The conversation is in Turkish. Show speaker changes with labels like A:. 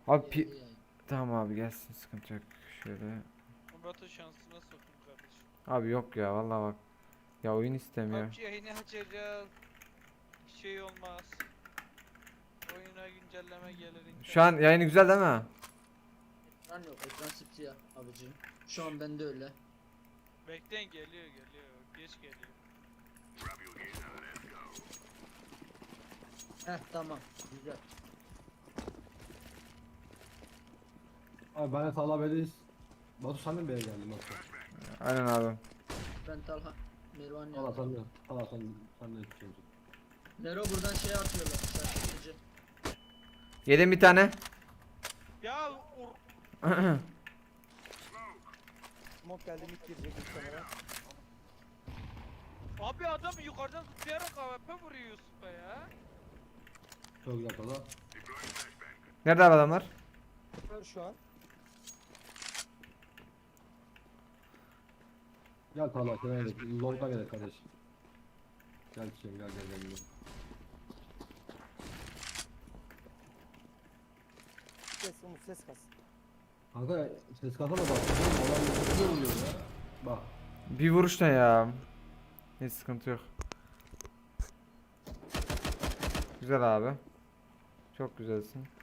A: Abi
B: Geldi yani.
A: tamam abi gelsin, sıkıntı yok. Şöyle.
C: Murat'ın şansına sokun kardeşim.
A: Abi yok ya vallahi bak. Ya oyun istemiyor.
C: PUBG yayını açacağız. Şey olmaz. Oyuna güncelleme gelir
A: Şu an
C: internet.
A: yayını güzel değil mi?
B: Ekran yok, ekran sipsiyah abicim. Şu an bende öyle.
C: Bekleyin, geliyor geliyor. Geç geliyor.
B: Heh tamam, güzel.
D: Abi ben de Talha Bey'deyiz. Batu sen de mi B'ye geldin Batu?
A: Aynen abi.
B: Ben Talha, Mervan
D: Talha
B: ya.
D: sen de. Talha sen de yetişiyorsun.
B: Nero buradan şey atıyorlar, şaşırtıcı.
A: Yedim bir tane.
C: Ya
E: Smoke geldi mid girecek muhtemelen.
C: abi adam yukarıdan zıplayarak AWP vuruyor Yusuf'a ya.
D: Çok güzel Talha.
A: Nerede abi adamlar?
E: Var şu an.
D: Gel Talha şuraya gel. Long'dan gel kardeş. Gel çiçeğim gel.
E: Umut ses kas.
D: Kanka ses kasana bak. Adam ne oluyor ya? Bak.
A: Bir vuruş ne ya? Hiç sıkıntı yok. Güzel abi. Çok güzelsin.